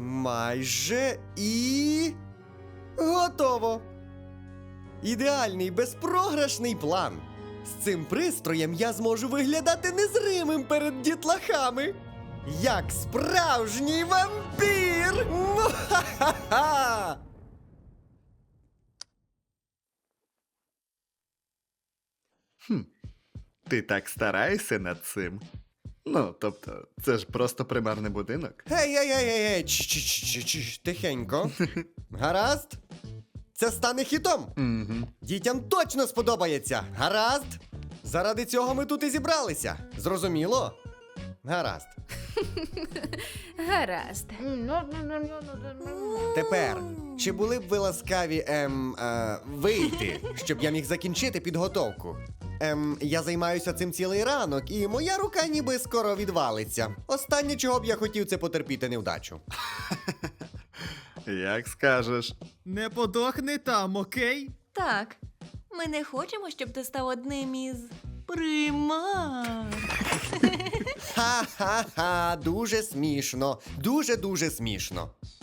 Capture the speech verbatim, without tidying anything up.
Майже і... готово! Ідеальний безпрограшний план. З цим пристроєм я зможу виглядати незримим перед дітлахами. Як справжній вампір! Муа-ха-ха! Ти так стараєшся над цим? Ну, тобто, це ж просто примарний будинок. Гей, гей, гей, гей, гей, чш-чш-чш-чш, тихенько. Гаразд? Це стане хітом. Угу. Дітям точно сподобається. Гаразд? Заради цього ми тут і зібралися. Зрозуміло? Гаразд. Гаразд. Тепер, чи були б ви ласкаві, ем, е, вийти, щоб я міг закінчити підготовку? Ем, я займаюся цим цілий ранок, і моя рука ніби скоро відвалиться. Останнє, чого б я хотів, це потерпіти невдачу. Як скажеш. Не подохни там, окей? Так, ми не хочемо, щоб ти став одним із примар. Ха-ха-ха, дуже смішно, дуже-дуже смішно.